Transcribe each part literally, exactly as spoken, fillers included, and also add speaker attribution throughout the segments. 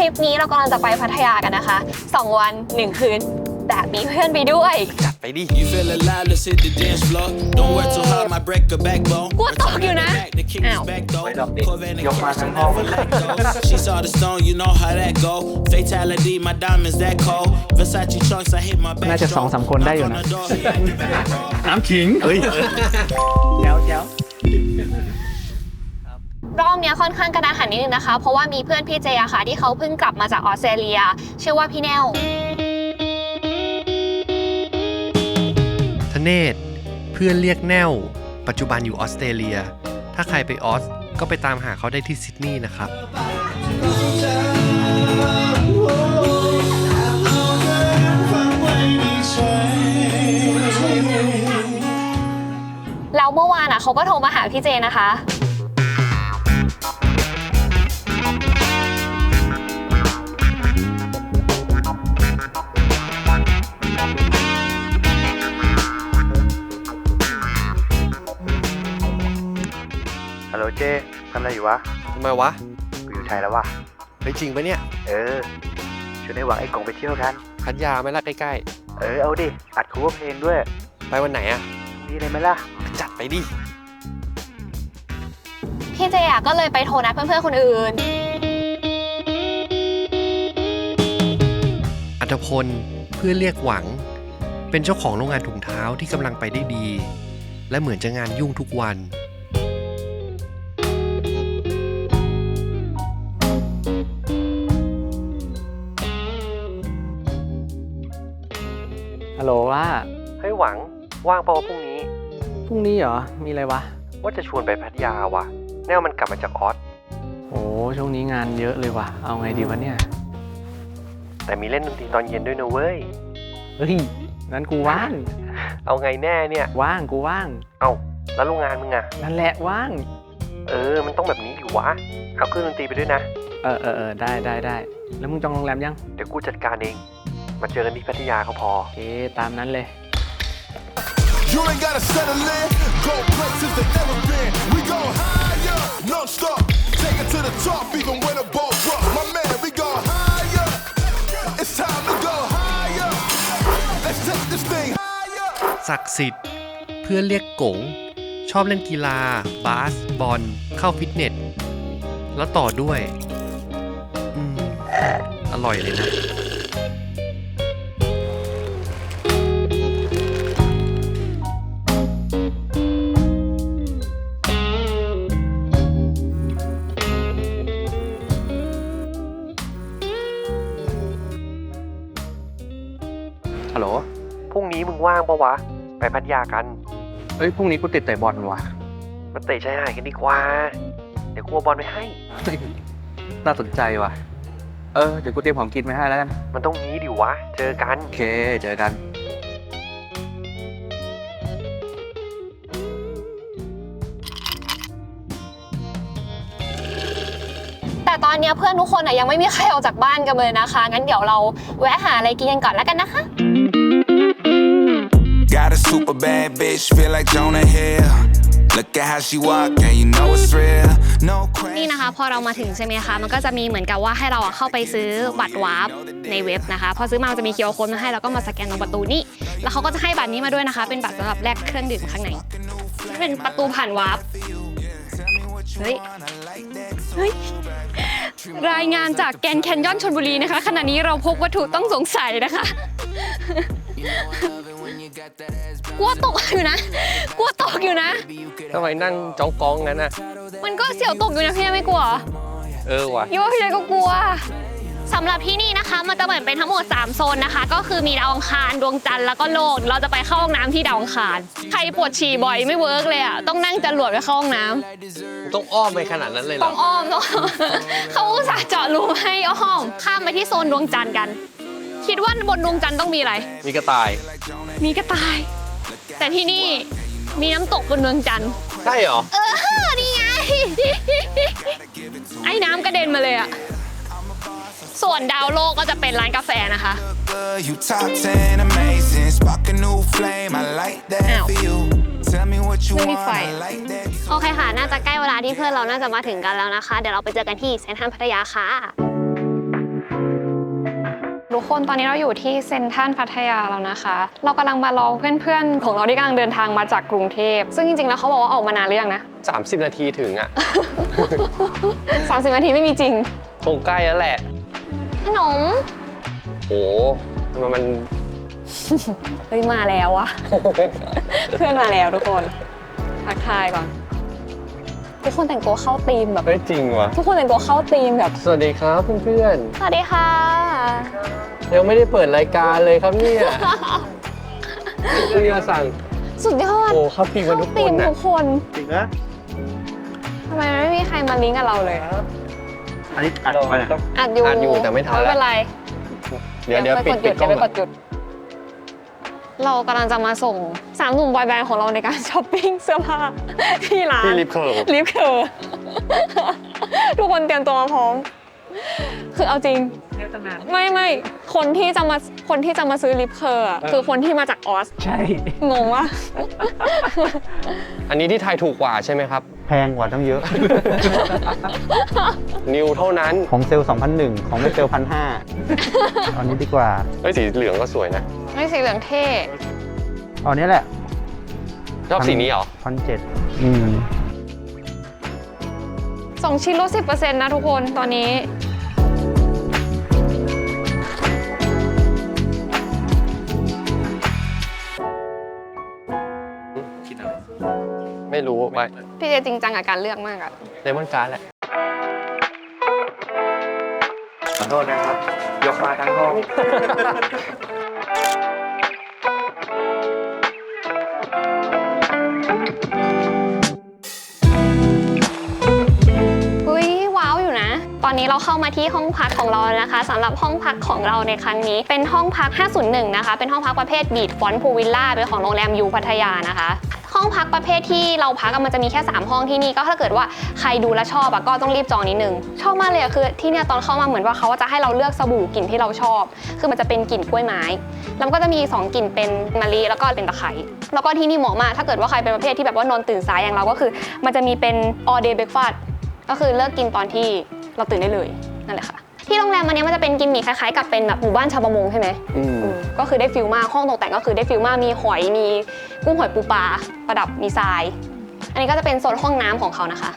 Speaker 1: ริปนี้เรากำลังจะไปพัทยากันนะคะสองวันหนึ่งคืนแต่มีเพื่อนไปด้วย
Speaker 2: จัดไปดิ
Speaker 1: กลัวตกอยู่นะอ้าวย
Speaker 3: กมาทั้งห้องน่าจะสองสามคนได้อยู่นะน้ำขิงเฮ้ยแจ๋วแจ๋ว
Speaker 1: รอบนี้ค่อนข้างกระดานหันนิดนึงนะคะเพราะว่ามีเพื่อนพี่เจอะค่ะที่เขาเพิ่งกลับมาจากออสเตรเลียชื่อว่าพี่แนว
Speaker 2: ธเนศเพื่อนเรียกแนวปัจจุบันอยู่ออสเตรเลียถ้าใครไปออสก็ไปตามหาเขาได้ที่ซิดนีย์นะครับ
Speaker 1: แล้วเมื่อวานอ่ะเขาก็โทรมาหาพี่เจนะคะ
Speaker 3: ฮัลโหลเจทำอะไรอยู่วะ
Speaker 2: ทำไมวะ
Speaker 3: กูอยู่ไทยแล้ววะ
Speaker 2: เฮ้ยจริงปะเนี่ย
Speaker 3: เออชวนไอ้หวังไอ้กงไปเที่ยวกัน
Speaker 2: พัทยาไหมล่ะใกล้
Speaker 3: ๆเออเอาดิอัดคูเวอร์เพลงด้วย
Speaker 2: ไปวันไหนอะ
Speaker 3: นี่เลยไหมล่ะ
Speaker 2: จัดไปดิ
Speaker 1: พี่เจอะก็เลยไปโทรนัดเพื่อนๆคนอื่น
Speaker 2: อัธพลเพื่อนเรียกหวังเป็นเจ้าของโรงงานถุงเท้าที่กำลังไปได้ดีและเหมือนจะงานยุ่งทุกวัน
Speaker 3: ฮัลโหลว่า
Speaker 2: เฮ้ยหวังว่างเปล่าพรุ่งนี้
Speaker 3: พรุ่งนี้เหรอมีอะไรวะ
Speaker 2: ว่าจะชวนไปพัทยาว่ะแน่วมันกลับมาจากออส
Speaker 3: โอ้ช่วงนี้งานเยอะเลยว่ะเอาไงดีวะเนี่ย
Speaker 2: แต่มีเล่นดนตรีตอนเย็นด้วยนะเว้ย
Speaker 3: เฮ้ยนั้นกูว่าง
Speaker 2: เอาไงแน่เนี่ย
Speaker 3: ว่างกูว่าง
Speaker 2: เอาแล้วโรงงานมึงอะ
Speaker 3: นั่นแหละว่าง
Speaker 2: เออมันต้องแบบนี้ดิวะเอาเครื่องดนตรีไปด้วยนะ
Speaker 3: เออเออเออได้ได้ได้แล้วมึงจองโรงแรมยัง
Speaker 2: เดี๋ยวกูจัดการเองมาเจอกันที่พัทยาเขาพอ
Speaker 3: โอเคตามนั้นเลย
Speaker 4: You ain't gotta settle in, go places that never been. We go higher, non-stop, take it to the top, even when the ball drop. My man, we go higher. It's time to go higher. Let's take this thing higher.
Speaker 2: ศักดิ์สิทธิ์เพื่อนเรียกกงชอบเล่นกีฬาบาสบอลเข้าฟิตเนสแล้วต่อด้วยอืมอร่อยเลยนะฮัลโหลพรุ่งนี้มึงว่างปะวะไปพัทยากัน
Speaker 3: เอ้ยพรุ่งนี้กูติดเตะบอลว่ะ
Speaker 2: มาเตะชายหาดกันดีกว่าเดี๋ยวกูเอาบอลไปให้
Speaker 3: น่าสนใจว่ะเออเดี๋ยวกูเตรียมของกินไว้ให้แล้วกัน
Speaker 2: มันต้องงี้ดิวะเจอกัน
Speaker 3: โอเคเจอกัน
Speaker 1: แต่ตอนนี้เพื่อนทุกคนอะยังไม่มีใครออกจากบ้านกันเลยนะคะงั้นเดี๋ยวเราแวะหาอะไรกินกันก่อนแล้วกันนะคะ
Speaker 4: Got a super bad bitch feel like Jonah Hill Look at how she walk and you know it's real No crazy
Speaker 1: นี่นะคะพอเรามาถึงใช่ไหมคะมันก็จะมีเหมือนกับว่าให้เราเข้าไปซื้อบัตรวาร์ปในเว็บนะคะพอซื้อมามันจะมี คิว อาร์ โค้ดมาให้แล้วก็มาสแกนตรงประตูนี้แล้วเขาก็จะให้บัตรนี้มาด้วยนะคะเป็นบัตรสำหรับแลกเครื่องดื่มข้างในเป็นประตูผ่านวาร์ปเฮ้ยเฮ้ยรายงานจากแกรนด์แคนยอนชลบุรีนะคะขณะนี้เราพบวัตถุต้องสงสัยนะคะกลัวตกอยู่นะกลัวตกอยู่นะ
Speaker 2: ทำไมนั่งจ้องกองงั้นน่ะ
Speaker 1: มันก็เสี่ยวตกอยู่นะพี่ไม่กลัว
Speaker 2: เออว่ะ
Speaker 1: พี่ว่าพี่ก็กลัวสำหรับที่นี่นะคะมันจะเหมือนเป็นทั้งหมดสามโซนนะคะก็คือมีดาวอังคารดวงจันทร์แล้วก็โลกเราจะไปเข้าห้องน้ำที่ดาวอังคารใครปวดฉี่บ่อยไม่เวิร์กเลยอ่ะต้องนั่งจรวดไปเข้าห้องน้
Speaker 2: ำต้องอ้อมไปขนาดนั้นเลยเหรอ
Speaker 1: ต้องอ้อมต้องเขาอุตส่าห์เจาะรูให้อ้อมข้ามไปที่โซนดวงจันทร์กันคิดว่าบนดวงจันทร์ต้องมีอะไร
Speaker 2: มีกระต่าย
Speaker 1: มีกระต่ายแต่ที่นี่มีน้ำตกบนดวงจันทร์
Speaker 2: ใช่เหรอ
Speaker 1: เออนี่ไงไอ้น้ำกระเด็นมาเลยอะส่วนดาวโลกก็จะเป็นร้านกาแฟนะคะอ้าวไม่มีไฟโอเคค่ะน่าจะใกล้เวลาที่เพื่อนเราน่าจะมาถึงกันแล้วนะคะเดี๋ยวเราไปเจอกันที่เซ็นทรัลพัทยาค่ะทุกคนตอนนี้เราอยู่ที่เซ็นทรัลพัทยาแล้วนะคะ เรากำลังมารอเพื่อนๆของเราที่กำลังเดินทางมาจากกรุงเทพซึ่งจริงๆแล้วเขาบอกว่าออกมานานหรือยังนะ
Speaker 2: สามสิบ นาทีถึงอ่ะ
Speaker 1: สามสิบนาทีไม่มีจริง
Speaker 2: คงใกล้แล้วแหละ
Speaker 1: ขนม
Speaker 2: โหทำไมมัน
Speaker 1: เฮ้ยมาแล้วอะ เพื่อนมาแล้วทุกคนทักทายก่อนทุกคนแต่งตัวเข้าธีมแบบ
Speaker 2: เฮ้ยจริงวะ
Speaker 1: ทุกคนแต่งตัวเข้าธีมแบบ
Speaker 2: สวัสดีครับเพื่อน
Speaker 1: สวัสดีค่ะ
Speaker 2: ๆยังไม่ได้เปิดรายการเลยครับเนี่ยเพื่อนสั่ง
Speaker 1: สุดยอด
Speaker 2: โอ้เข้าปีกันทุกค
Speaker 1: ธี
Speaker 2: น
Speaker 1: ม
Speaker 2: นะ
Speaker 1: ทุกคน
Speaker 3: จริงนะ
Speaker 1: ทำไมไม่มีใครมาลิงก์กับเราเลย
Speaker 3: อันนี้อัดไปนะ
Speaker 1: อัดอยู่
Speaker 2: อ่านอยู่แต่ไม่ทัน
Speaker 1: ไม่
Speaker 2: แล้
Speaker 1: เป็
Speaker 2: วน
Speaker 1: ไร
Speaker 2: เดี๋ยวเดี๋ยว
Speaker 1: ไป
Speaker 2: ปิ
Speaker 1: ก
Speaker 2: ด
Speaker 1: ดห
Speaker 2: ปิ
Speaker 1: ยุ
Speaker 2: ด
Speaker 1: ด
Speaker 2: กล้
Speaker 1: เดี๋
Speaker 2: อ
Speaker 1: ยว
Speaker 2: ง
Speaker 1: ไปก
Speaker 2: ก่อน
Speaker 1: ดหยุด เรากำลังจะมาส่งสามหนุ่มบอยแบนด์ของเราในการช้อปปิ้งเสื้อผ้าที่ร้าน
Speaker 2: ที่ลิฟต์เคิร์ฟ
Speaker 1: ลิฟต์เคอร์ ทุกคนเตรียมตัวมาพร้อม คือเอาจริง ไม่ไม่คนที่จะมาคนที่จะมาซื้อลิฟต์เคอร์อะคือคนที่มาจากออส
Speaker 3: ใช่
Speaker 1: งงวะ
Speaker 2: อันนี้ที่ไทยถูกกว่าใช่ไหมครับ
Speaker 3: แพงกว่าตั้งเยอะ
Speaker 2: นิวเท่านั้น
Speaker 3: ของเซลล์สองพันหนึ่งของไม่เซลล์พันห้าตอนนี้ดีกว่า
Speaker 2: เฮ้ยสีเหลืองก็สวยนะ
Speaker 1: ไม่สีเหลืองเท่
Speaker 3: เอาเนี้ยแหละ
Speaker 2: ชอบสีนี้เหรอ
Speaker 3: พันเจ็ดอืม
Speaker 1: สองชิ้นลดสิบเปอร์เซ็นต์นะทุกคนตอนนี้
Speaker 2: ไม่รู้ไป
Speaker 1: พี่เจจริงจังกับการเลือกมากอะ
Speaker 2: เลมอนการ์ดแหละ
Speaker 3: ขอโทษนะครับ ยกมาทั้งห้อง
Speaker 1: เฮ้ยว้าวอยู่นะ ตอนนี้เราเข้ามาที่ห้องพักของเราแล้วนะคะสำหรับห้องพักของเราในครั้งนี้ เป็นห้องพัก ห้าศูนย์หนึ่ง นะคะ เป็นห้องพักประเภทบีทฟอนต์พูวิลล่าเป็นของโรงแรมยูพัทยานะคะ ห้องพักประเภทที่เราพักอะมันจะมีแค่สามห้องที่นี่ก็ถ้าเกิดว่าใครดูแลวชอบอะก็ต้องรีบจองนิดนึงชอบมากเลยอะคือที่เนี่ยตอนเข้ามาเหมือนว่าเขาจะให้เราเลือกสบู่กลิ่นที่เราชอบ คือมันจะเป็นกลิ่นกล้วยไม้แล้วก็จะมีสองกลิ่นเป็นมะลิแล้วก็เป็นตะไคร้แล้วก็ที่นี่เหมาะมากถ้าเกิดว่าใครเป็นประเภทที่แบบว่านอนตื่นสายอย่างเราก็คือ มันจะมีเป็น all day breakfast ก็คือเลิกกินตอนที่เราตื่นได้เลยนั่นแหละค่ะที่โรงแรมอันนี้มันจะเป็นกิมมิคคล้ายๆกับเป็นแบบหมู่บ้านชาวประมงใช่ไหม
Speaker 2: อืม
Speaker 1: อืมก็คือได้ฟิลมากห้องตกแต่งก็คือได้ฟิลมากมีหอยมีกุ้งหอยปูปลาประดับมีทราย อันนี้ก็จะเป็นโซนห้องน้ำของเขานะคะ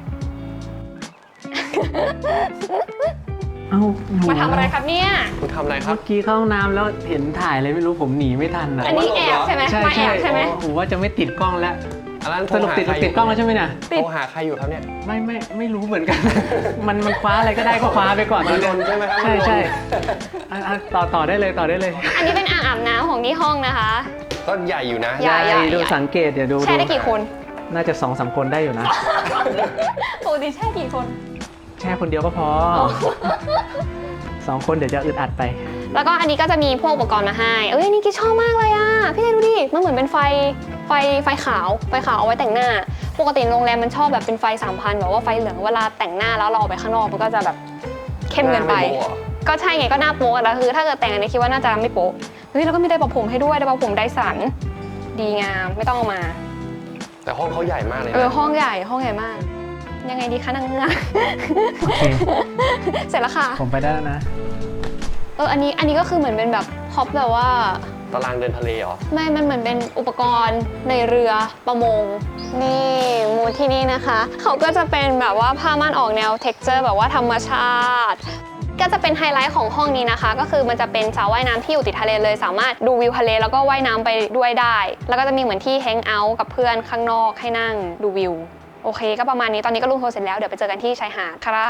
Speaker 5: เอ้าหนู
Speaker 1: มาทำอะไรครับเนี่ย
Speaker 2: คุณทำอะไรครั
Speaker 5: เมื่
Speaker 2: บ
Speaker 5: อกี้เข้าห้องน้ำแล้วเห็นถ่ายอะไรไม่รู้ผมหนีไม่ทันนะ
Speaker 1: อันนี้แอบใช่ไหม
Speaker 5: ใช่
Speaker 1: มาแอ
Speaker 5: ใช่
Speaker 1: บใช่ไหม
Speaker 5: ผมว่าจะไม่ติดกล้องแล้ว
Speaker 2: อันนั้น
Speaker 5: สรุปติดติดกล้องแล้วใช่ไหมเนี่ย
Speaker 2: โทรหาใครอยู่ครับเนี่ย
Speaker 5: ไม่ไม่ไม่รู้เหมือนกัน มันมันคว้าอะไรก็ได้ก็คว้าไปก่อน
Speaker 2: มันลนใช่ไหมครับ
Speaker 5: ใช่
Speaker 2: มันลน
Speaker 5: ใช่อ่ะอ่ะต่อต่อได้เลยต่อได้เลย
Speaker 1: อันนี้เป็นอ่างอาบน้ำของที่ห้องนะคะ
Speaker 2: ก็ใหญ่อยู่นะ
Speaker 1: ใหญ่
Speaker 5: ยายดูสังเกตเดี๋ยวดู
Speaker 1: แช่ได้กี่คน
Speaker 5: น่าจะสองสามคนได้อยู่นะ
Speaker 1: ปกติแช่กี่คน
Speaker 5: แช่คนเดียวก็พอสองคนเดี๋ยวจะอึดอัดไป
Speaker 1: แล้วก็อันนี้ก็จะมีพวกอุปกรณ์มาให้ เอ้ยอันนี่กิ๊ชอบมากเลยอ่ะ พี่เจดูดิ มันเหมือนเป็นไฟ ไฟ ไฟขาว ไฟขาวเอาไว้แต่งหน้า ปกติโรงแรมมันชอบแบบเป็นไฟสามพันแบบว่าไฟเหลืองเวลาแต่งหน้าแล้วเราออกไปข้างนอกมันก็จะแบบเข้มเกินไป
Speaker 2: หน้าไม่โป๊ะเหรอ
Speaker 1: ก็ใช่ไงก็หน้าโป๊ะแล้วคือถ้าเกิดแต่งอันนี้คิดว่าน่าจะไม่โป๊ะ เฮ้ยแล้วก็มีไดร์เป่าผมให้ด้วยไดร์เป่าผมไดสัน ดีงามไม่ต้องเอามา
Speaker 2: แต่ห้องเขาใหญ่มากเลย
Speaker 1: เออ
Speaker 2: นะ
Speaker 1: ห้องใหญ่ห้องใหญ่มาก ยังไงดีคะนางเงือก
Speaker 5: โอเค
Speaker 1: เสร็จแล้วค่ะ
Speaker 5: ผมไปได้แล้วนะ
Speaker 1: เอออันนี้อันนี้ก็คือเหมือนเป็นแบบพร็อปแบบว่า
Speaker 2: ตารางเดินทะเลเหรอ
Speaker 1: ไม่ มันเหมือนเป็นอุปกรณ์ในเรือประมง นี่มูดที่นี่นะคะ เขาก็จะเป็นแบบว่าผ้าม่านออกแนวเท็กเจอร์แบบว่าธรรมชาติ ก็จะเป็นไฮไลท์ของห้องนี้นะคะ ก็คือมันจะเป็นสระว่ายน้ำที่อยู่ติดทะเลเลย สามารถดูวิวทะเลแล้วก็ว่ายน้ำไปด้วยได้ แล้วก็จะมีเหมือนที่แฮงเอาท์กับเพื่อนข้างนอกให้นั่งดูวิว โอเค ก็ประมาณนี้ ตอนนี้ก็ลงโทรเสร็จแล้ว เดี๋ยวไปเจอกันที่ชายหาดค่ะ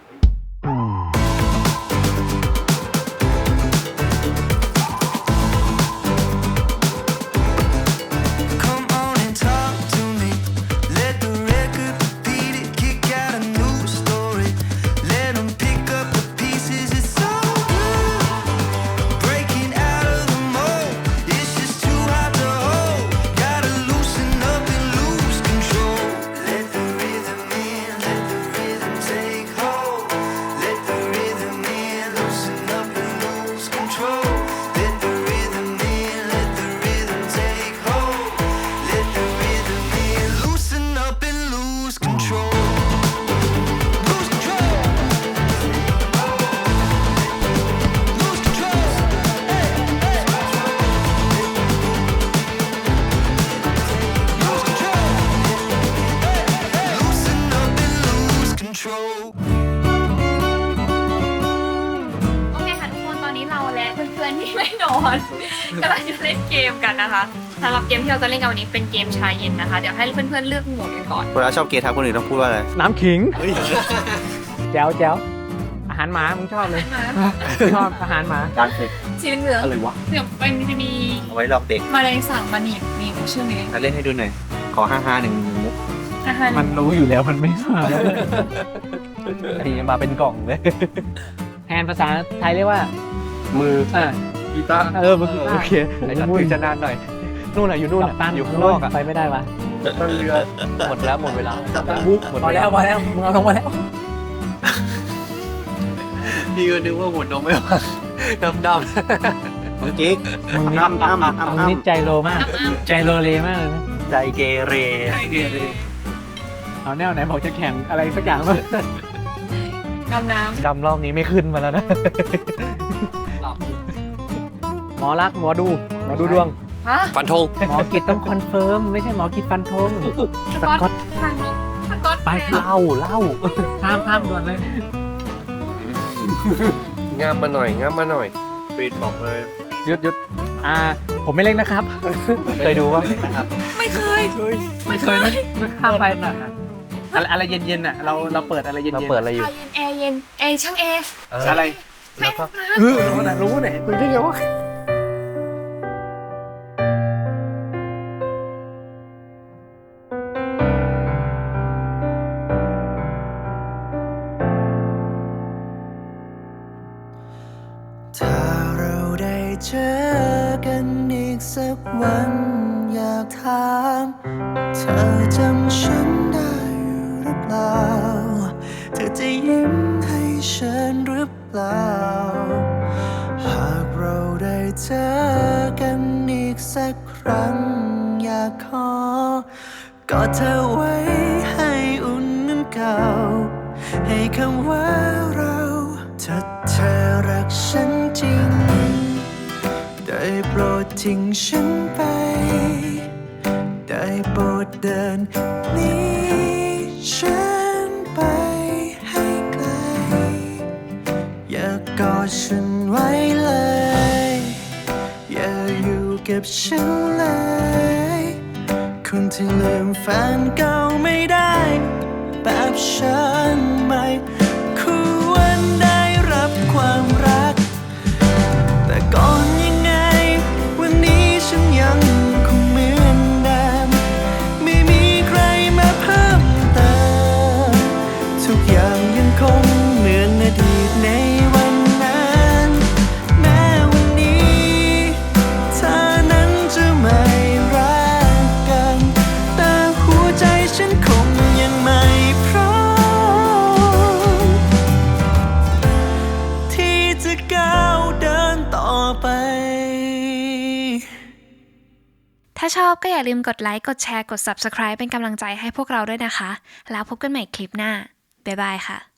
Speaker 6: Come on and talk to me. Let the record repeat it. Kick out a new story. Let them pick up the pieces. It's so good. Breaking out of the mold. It's just too hard to hold. Gotta loosen up and lose control. Let the rhythm in. Let the rhythm take hold.
Speaker 1: อนกำลังจะเล่นเกมกันนะคะสำหรับเกมที่เราจะเล่นกันวันนี้เป็นเกมชายเย็นนะคะเดี๋ยวให้เพื่อนๆเลือกโหมดกันก่อน
Speaker 7: เวลาชอบเกย์ทักคนอื่นต้องพูดว่าอะไร
Speaker 5: น้ำขิงแจ๋วแจ๋วอาหารหมามึงชอบเลยชอบอาหารหมา
Speaker 7: การเซ็ก
Speaker 1: สีเหลือง
Speaker 7: อะไรวะ
Speaker 1: เดี๋ยวมันจะมี
Speaker 7: เอาไว้หลอกเด็ก
Speaker 1: แมลงสาบมาหนีบนี่ชื่อนี้
Speaker 7: มาเล่นให้ดูหน่อย ขอห้าห้าหนึ่งมุก
Speaker 1: อาหาร
Speaker 5: มันรู้อยู่แล้วมันไม่มาไอ้มาเป็นกล่องเลยแทนภาษาไทยเรียกว่า มืออ่ากีตาร์เออมือกีตาร์โอเคไอ้จัดถือจะนานหน่อยนู่นน่ะอยู่นู่นน่ะอยู่ข้างนอกอ่ะไปไม่ได้วะต้นเรือหมดแล้วหมดเวลาบุ๊กหมดพอแล้วพอแล้วมึงเอาลงมาแล้ว
Speaker 2: พี่ก็นึกว่าหัวนมไม่ว่าดำด
Speaker 7: เมื่อกี้
Speaker 5: มึงนี่
Speaker 7: อ้ำอ้ำอ้ำ
Speaker 5: มึง
Speaker 7: อ้ำ
Speaker 5: นี่ใจโลมาก ใจโลเลมากเลยนะ
Speaker 7: ใจเกเร
Speaker 5: เอาแนวไหนบอกจะแข่งอะไรสักอย่างมั้ง
Speaker 1: ดำน้
Speaker 5: ดำรอบนี้ไม่ขึ้นมาแล้วนะ หมอรักหมอดูหมอดูดวง
Speaker 1: ำฮะ
Speaker 2: ำฟันธง
Speaker 5: หมอกิจต้องคอนเฟิร์มไม่ใช่หมอกิจฟันธง
Speaker 1: สก๊อตทางนี้สก๊อต
Speaker 5: ไปเล่าเล่าข้ามข้ามด่วนเลย
Speaker 2: งามมาหน่อยงามมาหน่อยปีดบอกเลย
Speaker 5: หยุดหยุดอ่า ผมไม่เล่นนะครับ เคยดูว่านะครับ
Speaker 1: ไม่เคย
Speaker 5: ไม่เคยนะข้ามไปนะอะไรอะไรเย็นๆอ่ะเราเราเปิดอะไรเย็นๆเราเปิดอะไรอยู่
Speaker 1: แอร์เย็นแอร์ช่างแอร์
Speaker 5: อะไร
Speaker 1: ไม่
Speaker 5: เออรู้นะรู้เนี่ยคุยได้ไงวะ
Speaker 6: ถ้าเราได้เจอกันอีกสักวันอยากถามเธอจำฉันได้หรือเปล่าเธอจะยิ้มให้ฉันหรือเปล่าหากเราได้เจอกันอีกสักครั้งอยากขอกอดเธอไว้ให้อุ่นเหมือนเก่าให้คำว่าเราถ้าเธอรักฉันจริงได้โปรดทิ้งฉันไปได้โปรดเดินหนีฉันไปให้ไกลอย่ากอดฉันไว้เลยอย่าอยู่กับฉันเลยคนที่ลืมแฟนเก่าไม่ได้แบบฉันไม่ควรได้รับความรักแต่ก่อนยังไงวันนี้ฉันยังคงเหมือนเดิมไม่มีใครมาเพิ่มเติมทุกอย่างยังคงเหมือนอดีตในวันนั้นแม้วันนี้เธอนั้นจะไม่รักกันแต่หัวใจฉันคงยังไม่พร้อมที่จะก้าวเดินต่อไป
Speaker 1: ถ้าชอบก็อย่าลืมกดไลค์ กดแชร์ กด ซับสไครบ์ เป็นกำลังใจให้พวกเราด้วยนะคะ แล้วพบกันใหม่คลิปหน้า บ๊ายบายค่ะ